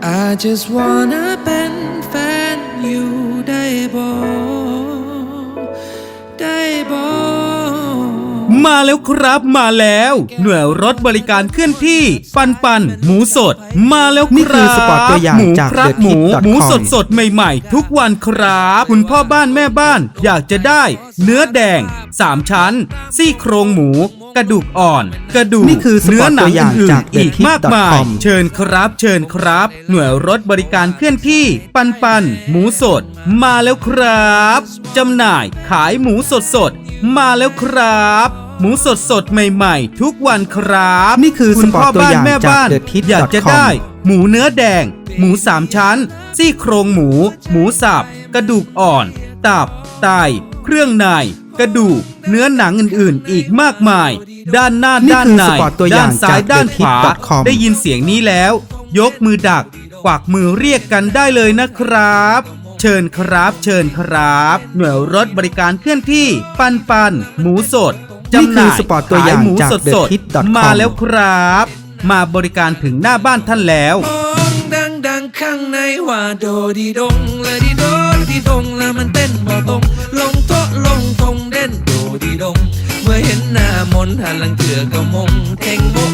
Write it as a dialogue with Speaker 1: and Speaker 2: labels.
Speaker 1: I just wanna เป็นแฟนอยู่ได้บ่ได้บ่
Speaker 2: มาแล้วครับมาแล้วหน่วยรถบริการเคลื่อนที่ปันหมูสดมาแล้วครับ
Speaker 3: นี่คือสปอตตัวอย่างจาก
Speaker 2: หมู
Speaker 3: TheTip.com
Speaker 2: หมูสดใหม่ๆทุกวันครับคุณพ่อบ้านแม่บ้านอยากจะได้เนื้อแดง3ชั้นซี่โครงหมูกระดูกอ่อนกระดูก
Speaker 3: นี่คือสป
Speaker 2: เนื้
Speaker 3: อ
Speaker 2: อ
Speaker 3: ต
Speaker 2: หนั
Speaker 3: ตั
Speaker 2: ง
Speaker 3: วอย่าง
Speaker 2: อื่น
Speaker 3: จาก
Speaker 2: ๆอีกมากมาย
Speaker 3: TheTip.com
Speaker 2: เชิญครับหน่วยรถบริการเคลื่อนที่ปันหมูสดมาแล้วครับจำหน่ายขายหมูสดมาแล้วครับหมูสดใหม่ๆทุกวันครับ
Speaker 3: นี่คือ
Speaker 2: คุณพ่อบ้าน
Speaker 3: สปอตตัวอย่าง
Speaker 2: แม่บ้าน
Speaker 3: จาก TheTip.com
Speaker 2: อยากจะได้หมูเนื้อแดงหมู3ชั้นซี่โครงหมูสับกระดูกอ่อนตับไตเครื่องในกระดูกเนื้อหนังอื่นๆอีกมากมายด้านหน้า
Speaker 3: นี่
Speaker 2: ด้าน
Speaker 3: คือ
Speaker 2: ใน
Speaker 3: สปอตตัวอ
Speaker 2: ด้า
Speaker 3: ย่าน ง
Speaker 2: ซ้าย
Speaker 3: จาก
Speaker 2: ด้านขวา
Speaker 3: TheTip.com
Speaker 2: ได้ยินเสียงนี้แล้ว ยกมือดักกวักมือเรียกกันได้เลยนะครับเชิญครับหน่วยรถบริการเคลื่อนที่ปันหมูสดจำหน่าย
Speaker 3: นี่คือสปอตตัวอย่าง
Speaker 2: ขหมู
Speaker 3: จาก
Speaker 2: สด
Speaker 3: TheTip.com
Speaker 2: มาแล้วครับ มาบริการถึงหน้าบ้านท่านแล้ว
Speaker 1: มองดังข้างในว่าโดดีดงและดีโดดีดงแล้วมันเต้นบ่ตรงลงโต๊ะลงทงเด่นโดดีดงเมื่อเห็นหน้ามนหันหลังเถื่อก็มงเท่งมง